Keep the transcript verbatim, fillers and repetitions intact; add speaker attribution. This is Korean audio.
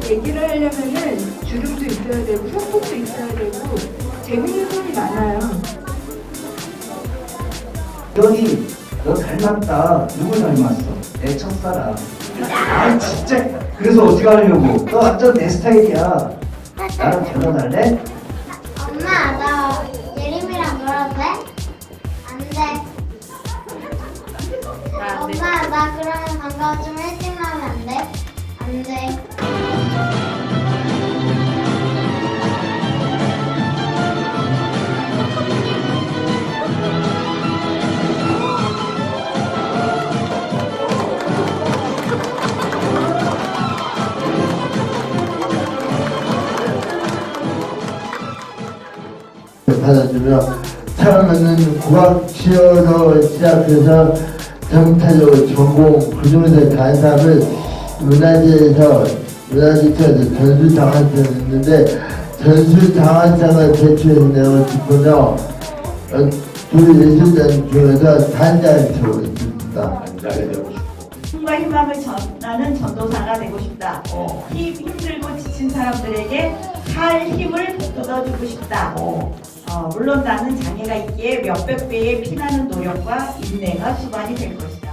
Speaker 1: 얘기를 하려면은 주름도 있어야 되고 소품도 있어야 되고 재밌는 소리 많아요.
Speaker 2: 너희 너 닮았다. 누구 닮았어? 내 첫사랑. 아 진짜. 그래서 어떻게 하려고? 너 완전 내 스타일이야. 나랑 결혼할래?
Speaker 3: 엄마, 나 예림이랑 놀아도 돼? 안 돼. 엄마, 나 그러면 방과 좀 일찍 나오면 안 돼? 안 돼.
Speaker 4: 받아주며 처음에는 국악 치어서 시작해서 정타적으로 전공 그중에서 간사를 문화재에서 문화재에서 전수장학상을 했는데 전수장학상을 제출했다고 싶어서 두 예술단 중에서 단장을 되고 있습니다.
Speaker 2: 남자가 되고 싶어.
Speaker 5: 힘과 희망을 전하는 전도사가 되고 싶다.
Speaker 2: 어.
Speaker 5: 힘, 힘들고 지친 사람들에게 살 힘을 북돋아주고 싶다.
Speaker 2: 어.
Speaker 5: 어, 물론 나는 장애가 있기에 몇백 배의 피나는 노력과 인내가 수반이 될 것이다.